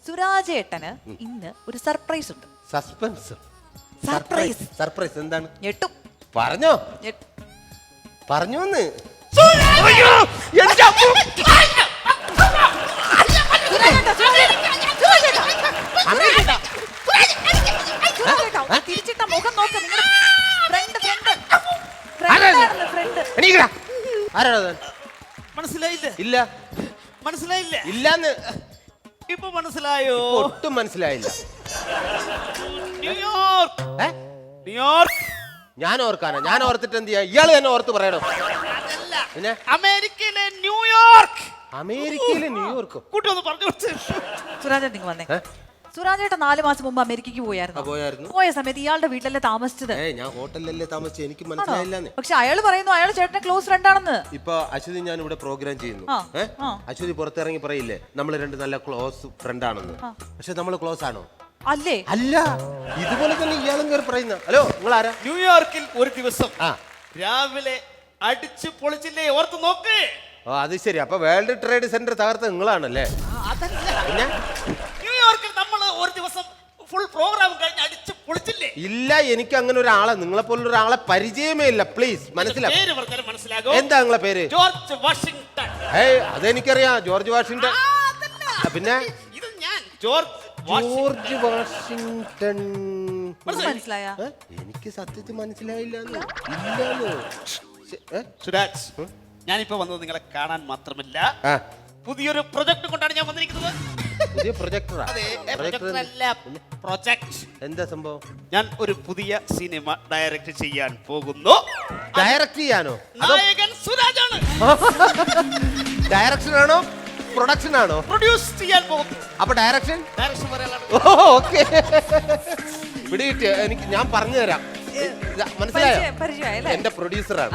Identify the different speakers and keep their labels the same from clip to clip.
Speaker 1: സുരാജേട്ടന് ഇന്ന് ഒരു സർപ്രൈസ് ഉണ്ട്.
Speaker 2: സസ്പെൻസ്.
Speaker 1: സർപ്രൈസ്.
Speaker 2: സർപ്രൈസ് എന്താണ്?
Speaker 1: ഞെട്ടും.
Speaker 2: പറഞ്ഞോ
Speaker 1: ഞെട്ടും.
Speaker 2: പറഞ്ഞോന്ന്.
Speaker 1: തിരിച്ചിട്ട മുഖം നോക്ക്.
Speaker 2: മനസ്സിലായില്ല. ഇല്ല
Speaker 3: മനസ്സിലായില്ല.
Speaker 2: ഇല്ലാന്ന്
Speaker 3: ഇപ്പൊ മനസ്സിലായോ?
Speaker 2: ഒട്ടും മനസ്സിലായില്ല.
Speaker 3: ന്യൂയോർക്ക്. ന്യൂയോർക്ക്.
Speaker 2: ഞാൻ ഓർക്കാനാ? ഞാൻ ഓർത്തിട്ട് എന്ത് ചെയ്യാ? ഇയാള് തന്നെ ഓർത്ത് പറയണോ? പിന്നെ
Speaker 3: അമേരിക്കയിലെ ന്യൂയോർക്ക്.
Speaker 2: അമേരിക്കയിലെ ന്യൂയോർക്ക്
Speaker 3: കൂട്ടി ഒന്ന് പറഞ്ഞു കൊടുത്ത്.
Speaker 1: സുരാജേട്ടൻ നിങ്ങൾ വന്നേ. സുരാജേട്ടൻ 4 മാസം മുമ്പ് അമേരിക്കക്ക് പോയായിരുന്നു. പോയ സമയത്ത് ഇയാളുടെ വീട്ടിലല്ലേ താമസിച്ചത്?
Speaker 2: ഞാൻ ഹോട്ടലിലല്ലേ താമസിച്ചത്. എനിക്ക് മനസ്സിലായില്ലാന്ന്.
Speaker 1: പക്ഷെ അയാള് പറയുന്നു അയാൾ ചേട്ടന്റെ ക്ലോസ് ഫ്രണ്ട് ആണെന്ന്.
Speaker 2: ഇപ്പൊ അശ്വതി ഞാൻ ഇവിടെ പ്രോഗ്രാം ചെയ്യുന്നു. അശ്വതി പുറത്തിറങ്ങി പറയില്ലേ നമ്മൾ രണ്ട് നല്ല ക്ലോസ് ഫ്രണ്ട് ആണെന്ന്. പക്ഷെ നമ്മൾ ക്ലോസ് ആണോ?
Speaker 1: അല്ലേ?
Speaker 2: അല്ല. ഇതുപോലെ തന്നെ ഇയാളും കയറി പറയുന്ന. ഹലോ, നിങ്ങൾ ആരാ?
Speaker 3: ന്യൂയോർക്കിൽ ഒരു ദിവസം രാവിലെ അടിച്ചു പൊളിച്ചില്ലേ? ഓർത്ത് നോക്ക്.
Speaker 2: ഓ, അത് ശരി. അപ്പൊ വേൾഡ് ട്രേഡ് സെന്റർ തകർത്ത നിങ്ങളാണല്ലേ? പിന്നെ
Speaker 3: ന്യൂയോർക്കിൽ നമ്മൾ ഒരു ദിവസം ഫുൾ പ്രോഗ്രാം കഴിഞ്ഞ് അടിച്ചു പൊളിച്ചില്ലേ?
Speaker 2: ഇല്ല, എനിക്ക് അങ്ങനെ ഒരാളെ, നിങ്ങളെ പോലുള്ള ഒരാളെ പരിചയമേ ഇല്ല. പ്ലീസ് മനസ്സിലാവും.
Speaker 3: പേര് പറഞ്ഞാൽ മനസ്സിലാകും.
Speaker 2: എന്താ നിങ്ങളെ പേര്?
Speaker 3: George Washington.
Speaker 2: അതെനിക്കറിയാം, ജോർജ് വാഷിംഗ്ടൺ. പിന്നെ
Speaker 3: ഇത് ഞാൻ ജോർജ്
Speaker 2: വാഷിംഗ്ടൺ.
Speaker 1: മനസ്സിലായ?
Speaker 2: എനിക്ക് സത്യത്തിൽ മനസ്സിലായില്ല.
Speaker 3: സുരാജ്, ഞാനിപ്പോ വന്നത് നിങ്ങളെ കാണാൻ മാത്രമല്ല, പുതിയൊരു പ്രൊജക്ട് കൊണ്ടാണ് ഞാൻ വന്നിരിക്കുന്നത്.
Speaker 2: പുതിയ പ്രൊജക്ടറാ?
Speaker 3: പ്രൊജക്ട്.
Speaker 2: എന്താ സംഭവം?
Speaker 3: ഞാൻ ഒരു പുതിയ സിനിമ ഡയറക്റ്റ് ചെയ്യാൻ പോകുന്നു.
Speaker 2: ഡയറക്റ്റ് ചെയ്യാനോ?
Speaker 3: നായകൻ സുരാജാണ്.
Speaker 2: ഡയറക്ഷൻ ആണോ പ്രൊഡക്ഷൻ ആണോ?
Speaker 3: പ്രൊഡ്യൂസ് ചെയ്യാൻ പോകുന്നു.
Speaker 2: അപ്പൊ ഡയറക്ഷൻ?
Speaker 3: ഡയറക്ഷൻ പറയാനാണ്.
Speaker 2: ഓക്കെ, പിടികിട്ടി. എനിക്ക് ഞാൻ പറഞ്ഞു തരാം. മനസ്സിലായോ? എന്റെ പ്രൊഡ്യൂസറാണ്.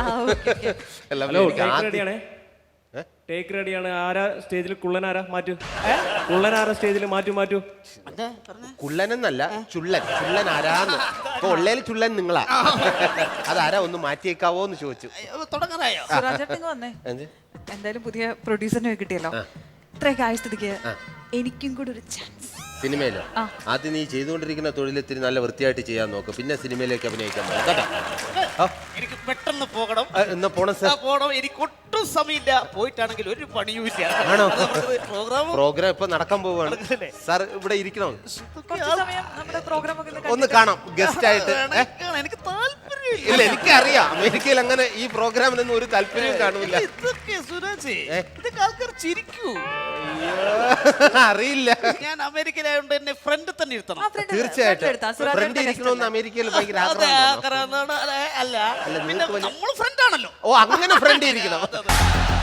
Speaker 4: ടേക്ക് റെഡിയാണ്. ആരാ സ്റ്റേജിൽ? കുള്ളൻ ആരാ? മാറ്റൂ. കുള്ളൻ ആരാ സ്റ്റേജിൽ? മാറ്റൂ.
Speaker 2: കുള്ളനെന്നല്ല, ചുള്ളൻ. ചുള്ളൻ ആരാന്ന്. ഇപ്പൊ ഉള്ളേല് ചുള്ളൻ നിങ്ങളാ. അതാരാ? ഒന്ന് മാറ്റിയേക്കാവോ എന്ന് ചോദിച്ചു.
Speaker 3: തുടങ്ങാനായോ?
Speaker 1: സുരാജേട്ടൻ വന്നേ. എന്തായാലും പുതിയ പ്രൊഡ്യൂസറിനെ കിട്ടിയല്ലോ. ഇത്രയൊക്കെ ആയ സ്ഥിതിക്ക് എനിക്കും കൂടെ ഒരു ചാൻസ്.
Speaker 2: സിനിമയിലോ? ആദ്യം നീ ചെയ്തുകൊണ്ടിരിക്കുന്ന തൊഴിലെത്തിരി നല്ല വൃത്തിയായിട്ട് ചെയ്യാൻ നോക്ക്. പിന്നെ സിനിമയിലേക്ക് അഭിനയിക്കാൻ കേട്ടോ.
Speaker 3: എനിക്ക് പെട്ടെന്ന് പോകണം.
Speaker 2: എന്നാ പോണം സാർ?
Speaker 3: പോകണം. എനിക്ക് ഒട്ടും സമയമില്ല. പോയിട്ടാണെങ്കിൽ ഒരു പണിയുമില്ല.
Speaker 2: ആണോ? പ്രോഗ്രാം ഇപ്പൊ നടക്കാൻ പോവാണ് സാർ. ഇവിടെ ഇരിക്കണോ? ഒന്ന് കാണാം ഗസ്റ്റ് ആയിട്ട്.
Speaker 3: എനിക്ക് താല്പര്യം
Speaker 2: ഇല്ല, എനിക്കറിയാം അമേരിക്കയിൽ അങ്ങനെ ഈ പ്രോഗ്രാമിനൊന്നും ഒരു താല്പര്യവും കാണില്ല.
Speaker 3: ഇതൊക്കെ ആൾക്കാർ ചിരിക്കൂ.
Speaker 2: അറിയില്ല.
Speaker 3: ഞാൻ അമേരിക്കയിലായതുകൊണ്ട് എന്നെ ഫ്രണ്ട് തന്നെ ഇരുത്തണം.
Speaker 2: തീർച്ചയായിട്ടും ഫ്രണ്ട് ഇരിക്കണമെന്ന് അമേരിക്കയിൽ ഭയങ്കര
Speaker 3: അല്ല, നമ്മൾ ഫ്രണ്ട് ആണല്ലോ.
Speaker 2: ഓ, അങ്ങനെ ഫ്രണ്ട് ഇരിക്കണം.